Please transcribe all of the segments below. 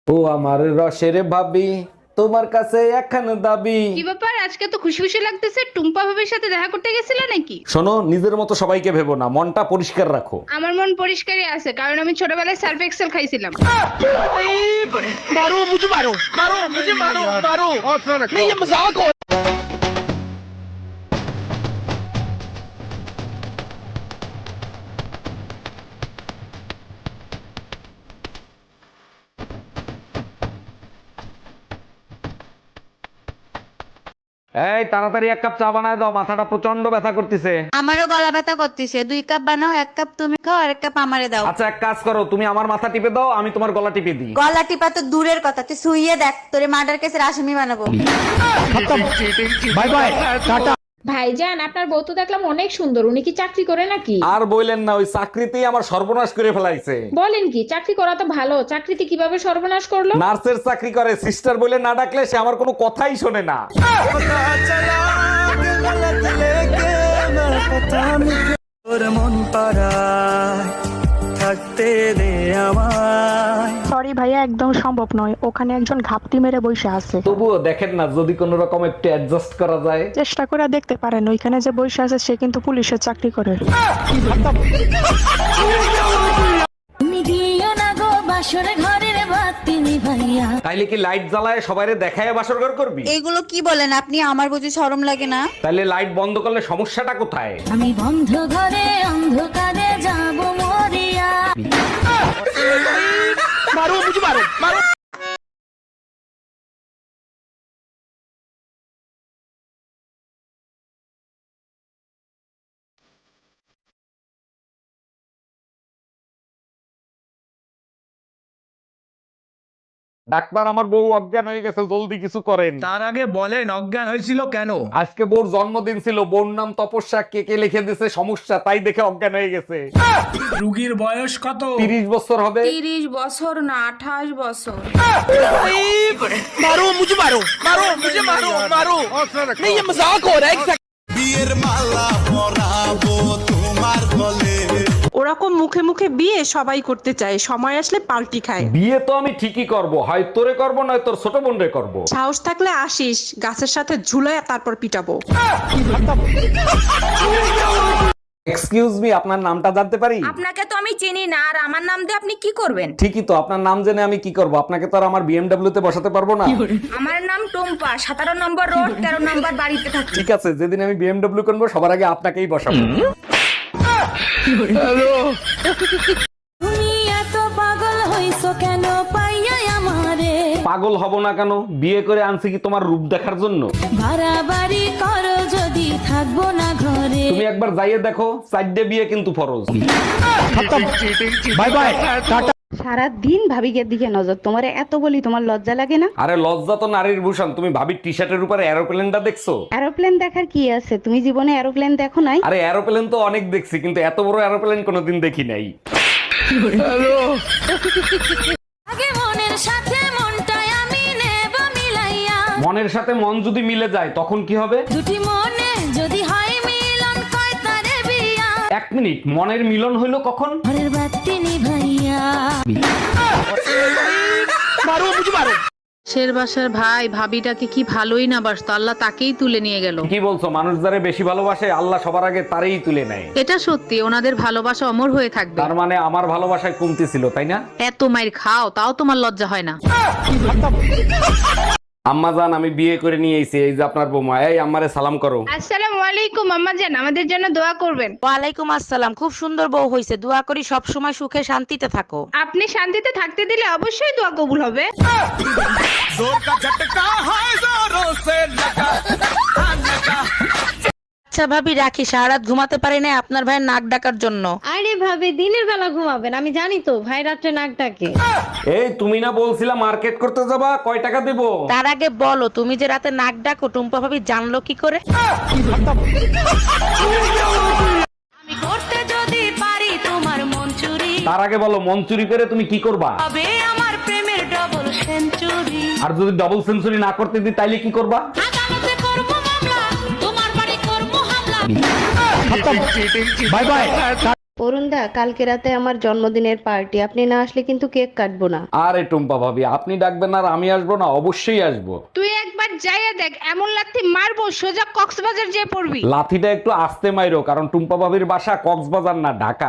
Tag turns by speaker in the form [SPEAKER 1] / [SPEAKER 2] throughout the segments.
[SPEAKER 1] ও আমার রসের ভাবি, তোমার কাছে একখান দাবি।
[SPEAKER 2] কি ব্যাপার, আজকে তো খুশি খুশি লাগতেছে? টুম্পা ভাবির সাথে দেখা করতে গেছিলে নাকি?
[SPEAKER 1] শোনো, নিজের মতো সবাইকে ভেবো না, মনটা পরিষ্কার রাখো।
[SPEAKER 2] আমার মন পরিষ্কারই আছে, কারণ আমি ছোটবেলায় সার্ফ এক্সেল খাইছিলাম।
[SPEAKER 1] এই তাড়াতাড়ি এক কাপ চা বানায় দাও, মাথাটা প্রচন্ড ব্যথা করতেছে।
[SPEAKER 3] আমারও গলা ব্যথা করতেছে, 2 কাপ বানাও, 1 কাপ তুমি খাও আর 1 কাপ আমারে দাও।
[SPEAKER 1] আচ্ছা এক কাজ করো, তুমি আমার মাথা টিপে দাও, আমি তোমার গলা টিপে দিই।
[SPEAKER 3] গলা টিপা তো দূরের কথা, তুই শুইয়ে দেখ, তোরে মার্ডার কেসের আসামি বানাবো।
[SPEAKER 1] Bye bye, tata.
[SPEAKER 4] ভাইজান, আপনার বউ তো দেখলাম অনেক সুন্দর, উনি কি চাকরি করে নাকি?
[SPEAKER 1] আর বইলেন না, ওই চাকরিতেই আমার সর্বনাশ করে ফেলাইছে।
[SPEAKER 4] বলেন কি, চাকরি করা তো ভালো, চাকরিতে কিভাবে সর্বনাশ করলো?
[SPEAKER 1] নার্সের চাকরি করে, সিস্টার বলে না ডাকলে সে আমার কোনো কথাই শোনে না।
[SPEAKER 5] সরি ভাইয়া, একদম সম্ভব নয়, ওখানে একজন ঘাপটি মেরে বসে আছে।
[SPEAKER 1] তবুও দেখেন না, যদি কোনো রকম একটু অ্যাডজাস্ট করা যায়।
[SPEAKER 5] চেষ্টা করে দেখতে পারেন, ওইখানে যে বসে আছে সে কিন্তু পুলিশের চাকরি করে।
[SPEAKER 3] তুমি দিও না গো বাসর ঘরের বাতি নিভাইয়া।
[SPEAKER 1] তাইলে কি লাইট জ্বালায় সবাইরে দেখায় বাসর ঘর করবি?
[SPEAKER 3] এগুলো কি বলেন আপনি? আমার বুঝি শরম লাগে না?
[SPEAKER 1] তাইলে লাইট বন্ধ করলে সমস্যাটা কোথায়?
[SPEAKER 3] আমি বন্ধ ঘরে অন্ধকারে যাব মরিয়া।
[SPEAKER 1] ডাক্তার, আমার বউ অজ্ঞান হয়ে গেছে, জলদি কিছু করেন।
[SPEAKER 6] তার আগে বলেন অজ্ঞান হয়েছিল কেন?
[SPEAKER 1] আজকে বউর জন্মদিন ছিল, বউর নাম তপস্যা, কে লিখে দিছে সমস্যা, তাই দেখে অজ্ঞান হয়ে গেছে।
[SPEAKER 6] রুগীর বয়স কত?
[SPEAKER 1] 30 বছর হবে।
[SPEAKER 2] 30 বছর না 28 বছর।
[SPEAKER 7] বিয়ের মালা পরাবো তোমার গলে।
[SPEAKER 8] ওরকম মুখে মুখে বিয়ে সবাই করতে চায়, সময় আসলে পাল্টি খায়।
[SPEAKER 1] বিয়ে তো আমি ঠিকই করব, হয় তোরে করব নয় তোর ছোট বোনরে করব।
[SPEAKER 8] সাহস থাকলে আসিস, গাছের সাথে ঝুলায় তারপর পিটাবো।
[SPEAKER 1] এক্সকিউজ মি, আপনার নামটা জানতে পারি?
[SPEAKER 3] আপনাকে তো আমি চিনি না, আর আমার নাম দিয়ে আপনি কি করবেন?
[SPEAKER 1] ঠিকই তো, আপনার নাম জেনে আমি কি করব? আপনাকে তো আর আমার বিএমডব্লিউ তে বসাতে পারবো না।
[SPEAKER 3] আমার নাম টুম্পা, 17 নম্বর রোড, 13 নম্বর বাড়িতে থাকি।
[SPEAKER 1] ঠিক আছে, যেদিন আমি বিএমডব্লিউ করবো সবার আগে আপনাকেই বসাবো।
[SPEAKER 3] তুমি এত পাগল হইছো কেন পাইয়া আমারে?
[SPEAKER 1] পাগল হব না কেন? বিয়ে করে আনছি কি তোমার রূপ দেখার জন্য?
[SPEAKER 3] বাড়াবাড়ি করো যদি থাকবো না ঘরে।
[SPEAKER 1] তুমি একবার যাইয়ে দেখো, 4টে বিয়ে কিন্তু ফরজ।
[SPEAKER 6] By bye, tata.
[SPEAKER 9] সারা দিন ভাবিকে দিকে নজর, তোমারে এত বলি তোমার লজ্জা লাগে না?
[SPEAKER 1] আরে লজ্জা তো নারীর ভূষণ। তুমি ভাবির টি শার্টের উপরে এরোপ্লেনটা দেখছো?
[SPEAKER 9] এরোপ্লেন দেখার কি আছে? তুমি জীবনে এরোপ্লেন দেখো নাই?
[SPEAKER 1] আরে এরোপ্লেন তো অনেক দেখছি, কিন্তু এত বড় এরোপ্লেন কোনোদিন দেখি নাই।
[SPEAKER 3] আগে মনের সাথে মনটাই আমি নেব মিলাইয়া।
[SPEAKER 1] মনের সাথে মন যদি মিলে যায় তখন কি হবে?
[SPEAKER 3] দুটি মনে যদি হয় মিলন, কয় তারে বিয়া।
[SPEAKER 1] 1 মিনিট, মনের মিলন হইলো কখন?
[SPEAKER 3] ঘরের বাতি নিভাইয়া।
[SPEAKER 2] শের বাসার ভাই ভাবিটাকে কি ভালোই না বাসতো, আল্লাহ তাকেই তুলে নিয়ে গেল।
[SPEAKER 1] কি বলছো? মানুষ যারে বেশি ভালোবাসে আল্লাহ সবার আগে তারই তুলে নেয়।
[SPEAKER 2] এটা সত্যি, ওনাদের ভালোবাসা অমর হয়ে থাকবে।
[SPEAKER 1] তার মানে আমার ভালোবাসায় কমতি ছিল, তাই না?
[SPEAKER 2] এত মাইর খাও তাও তোমার লজ্জা হয় না?
[SPEAKER 1] আম্মা জান, আমি বিয়ে করে নিয়ে এসেছি, এই যে আপনার বৌমা। এই আম্মারে সালাম করো।
[SPEAKER 2] আসসালামু আলাইকুম আম্মা জান, আমাদের জন্য দোয়া করবেন।
[SPEAKER 3] ওয়ালাইকুম আসসালাম, খুব সুন্দর বউ হইছে, দোয়া করি সব সময় সুখে শান্তিতে থাকো।
[SPEAKER 2] আপনি শান্তিতে থাকতে দিলে অবশ্যই দোয়া কবুল হবে।
[SPEAKER 3] আচ্ছা ভাবি রাখি, সারা রাত ঘুমাতে পারি না আপনার ভাইয়ের নাক ডাকার জন্য।
[SPEAKER 4] আরে ভাবি, দিনের বেলা ঘুমাবেন, আমি জানি তো ভাই রাত্রে নাক ডাকে।
[SPEAKER 1] এই তুমি না বলছিলা মার্কেট করতে যাবা, কয় টাকা দেবো?
[SPEAKER 3] তার আগে বলো, তুমি যে রাতে নাক ডাকো টুম্পা ভাবি জানলো কি করে? আমি করতে যদি পারি তোমার মন চুরি,
[SPEAKER 1] তার আগে বলো, মন চুরি করে তুমি কি করবা?
[SPEAKER 3] তবে আমার প্রেমের ডবল সেঞ্চুরি।
[SPEAKER 1] আর যদি ডাবল সেঞ্চুরি না করতে দিই তাইলে কি করবা?
[SPEAKER 3] আদালতে করব মামলা, তোমার বাড়ি করব হামলা।
[SPEAKER 6] Bye bye.
[SPEAKER 9] অরুণ দা, কালকে রাতে আমার জন্মদিনের পার্টি, আপনি না আসলে কিন্তু কেক কাটবো না।
[SPEAKER 1] আরে টুম্পা ভাবি, আপনি ডাকবেন আর আমি আসবো না? অবশ্যই আসবো।
[SPEAKER 2] তুই একবার যাইয়া দেখ, এমন লাথি মারবো সোজা কক্সবাজার যেয়ে পড়বি।
[SPEAKER 1] লাথিটা একটু আস্তে মাইরো, কারণ টুম্পা ভাবির বাসা কক্সবাজার না, ঢাকা।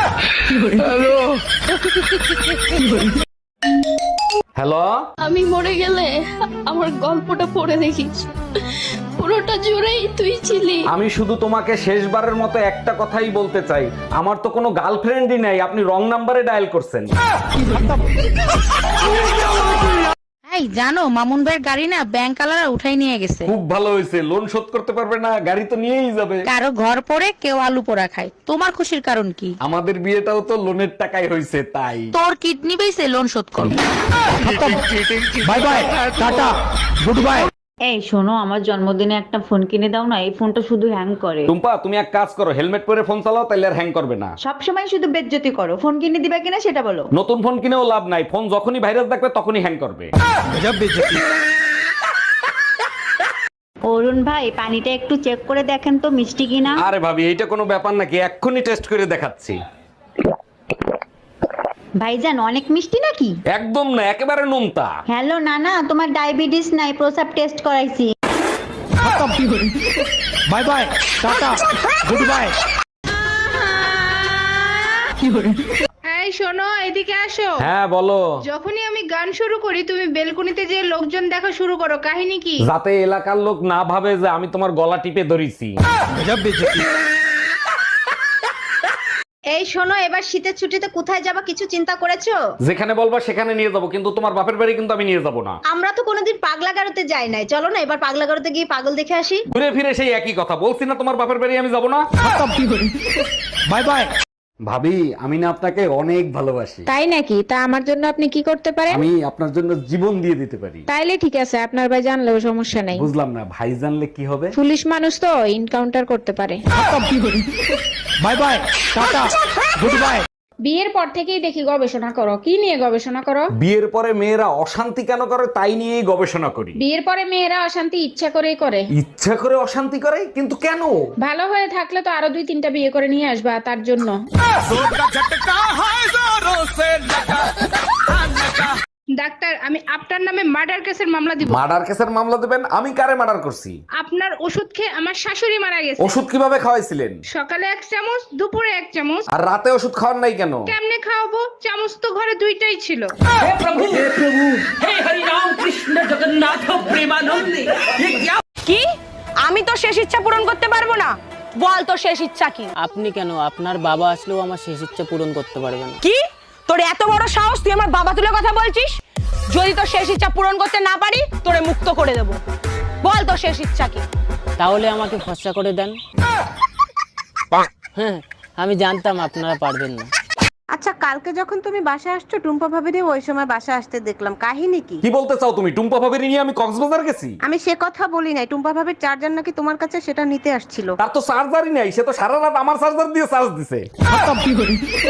[SPEAKER 1] হ্যালো,
[SPEAKER 3] আমি মরে গেলে আমার গল্পটা পড়ে দেখিস, পুরোটা জুড়েই তুই ছিলি।
[SPEAKER 1] আমি শুধু তোমাকে শেষবারের মতো একটা কথাই বলতে চাই, আমার তো কোনো গার্লফ্রেন্ডই নাই, আপনি রং নাম্বারে ডায়াল করছেন।
[SPEAKER 2] এই জানো, মামুন ভাইয়ের গাড়ি না ব্যাংক আলারা উঠাই নিয়ে গেছে।
[SPEAKER 1] খুব ভালো হয়েছে, লোন শোধ করতে পারবে না, গাড়ি তো নিয়েই যাবে।
[SPEAKER 2] কারো ঘর পড়ে কেউ আলু পোড়া খায়, তোমার খুশির কারণ কি?
[SPEAKER 1] আমাদের বিয়েটাও তো লোনের টাকায় হয়েছে, তাই।
[SPEAKER 2] তোর কিডনি বেঁচে লোন শোধ করবো।
[SPEAKER 6] Bye bye, tata, good bye.
[SPEAKER 10] এই শোনো, আমার জন্মদিনে একটা ফোন কিনে দাও না, এই ফোনটা শুধু হ্যাং করে।
[SPEAKER 1] টুম্পা, তুমি এক কাজ করো, হেলমেট পরে ফোন চালাও, তাইলে আর হ্যাং করবে না।
[SPEAKER 10] সবসময় শুধু বেজ্জতি করো, ফোন কিনে দিবা কিনা সেটা বলো।
[SPEAKER 1] নতুন ফোন কিনেও লাভ নাই, ফোন যখনই ভাইরাস দেখবে তখনই হ্যাং করবে।
[SPEAKER 10] অরুণ ভাই, পানিটা একটু চেক করে দেখেন তো মিষ্টি কিনা।
[SPEAKER 1] আরে ভাবি, এইটা কোনো ব্যাপার নাকি, এক্ষুনি টেস্ট করে দেখাচ্ছি।
[SPEAKER 10] ভাইজান, অনেক মিষ্টি নাকি?
[SPEAKER 1] একদম না, একেবারে নোনতা।
[SPEAKER 10] হ্যালো নানা, তোমার ডায়াবেটিস নাই, প্রসাব টেস্ট করাইছি।
[SPEAKER 6] Bye bye, tata, good bye.
[SPEAKER 2] এই শোনো, এদিকে আসো।
[SPEAKER 1] হ্যাঁ বলো।
[SPEAKER 2] যখনই আমি গান শুরু করি তুমি বেলকনিতে যে লোকজন দেখা শুরু করো, কাহিনী কি?
[SPEAKER 1] যাতে এলাকার লোক না ভাবে যে আমি তোমার গলা টিপে ধরেছি।
[SPEAKER 4] এই শোনো, এবার শীতের ছুটিতে কোথায় যাবা কিছু চিন্তা করেছো?
[SPEAKER 1] যেখানে বলবা সেখানে নিয়ে যাব, কিন্তু তোমার বাপের বাড়ি কিন্তু আমি নিয়ে যাব না।
[SPEAKER 4] আমরা তো কোনোদিন পাগলা গারোতে যাই নাই, চলো না এবার পাগলা গারোতে গিয়ে পাগল দেখে আসি।
[SPEAKER 1] ঘুরে ফিরে সেই একই কথা বলছি না, তোমার বাপের বাড়ি আমি যাব না।
[SPEAKER 6] Bye bye.
[SPEAKER 1] ভাবি, আমি না আপনাকে অনেক ভালোবাসি।
[SPEAKER 2] তাই নাকি? তা আমার জন্য আপনি কি করতে পারেন?
[SPEAKER 1] আমি আপনার জন্য জীবন দিয়ে দিতে পারি।
[SPEAKER 2] তাইলে ঠিক আছে, আপনার ভাই জানলেও সমস্যা নাই।
[SPEAKER 1] বুঝলাম না, ভাই জানলে কি হবে?
[SPEAKER 2] পুলিশ মানুষ তো, এনকাউন্টার করতে পারে।
[SPEAKER 6] Bye bye, tata, good bye.
[SPEAKER 2] বিয়ের পর থেকেই দেখি গবেষণা করো। কি নিয়ে গবেষণা করো?
[SPEAKER 1] বিয়ের পরে মেয়েরা অশান্তি কেন করে তাই নিয়েই গবেষণা করি।
[SPEAKER 2] বিয়ের পরে মেয়েরা অশান্তি ইচ্ছা করেই করে।
[SPEAKER 1] ইচ্ছা করে অশান্তি করে? কিন্তু কেন?
[SPEAKER 2] ভালো হয়ে থাকলে তো আরো 2-3টা বিয়ে করে নিয়ে আসবা, তার জন্য। ডাক্তার, আমি আপনার নামে মার্ডার কেসের মামলা দিব।
[SPEAKER 1] মার্ডার কেসের মামলা দেবেন? আমি কারে মার্ডার করছি?
[SPEAKER 2] আপনার ওষুধ খেয়ে আমার শাশুড়ি মারা গেছে।
[SPEAKER 1] ওষুধ কিভাবে খাওয়াইছিলেন?
[SPEAKER 2] সকালে 1 চামচ, দুপুরে 1 চামচ।
[SPEAKER 1] আর রাতে ওষুধ খাওয়ার নাই কেন?
[SPEAKER 2] কেমনে খাওয়াবো? চামচ তো ঘরে 2টাই ছিল।
[SPEAKER 8] কি? আমি তো শেষ ইচ্ছা পূরণ করতে পারবো না। বল তো শেষ ইচ্ছা কি?
[SPEAKER 11] আপনি কেন, আপনার বাবা আসলেও আমার শেষ ইচ্ছা পূরণ করতে পারবে না।
[SPEAKER 8] কি? তোর এত বড় সাহস, তুই আমার বাবা তুলে কথা বলছিস? যদি তোর শেষ ইচ্ছা পূরণ করতে না পারি, তোরে মুক্ত করে দেব। বল তোর শেষ ইচ্ছা কি?
[SPEAKER 11] তাহলে আমাকে ফর্সা করে দেন। হ্যাঁ, আমি জানতাম আপনারা পারবেন না।
[SPEAKER 8] আচ্ছা, কালকে যখন তুমি বাসায় আসছো, টুম্পা ভাবিরে ওই সময় বাসায় আসতে দেখলাম, কাহিনী কি?
[SPEAKER 1] কি বলতে চাও তুমি? টুম্পা ভাবির নিয়ে আমি কক্সবাজার গেছি?
[SPEAKER 8] আমি সে কথা বলি নাই, টুম্পা ভাবির চার্জার নাকি তোমার কাছে, সেটা নিতে আসছিল।
[SPEAKER 1] তার তো চার্জারই নাই, সে তো সারা রাত আমার চার্জার দিয়ে চার্জ দিছে।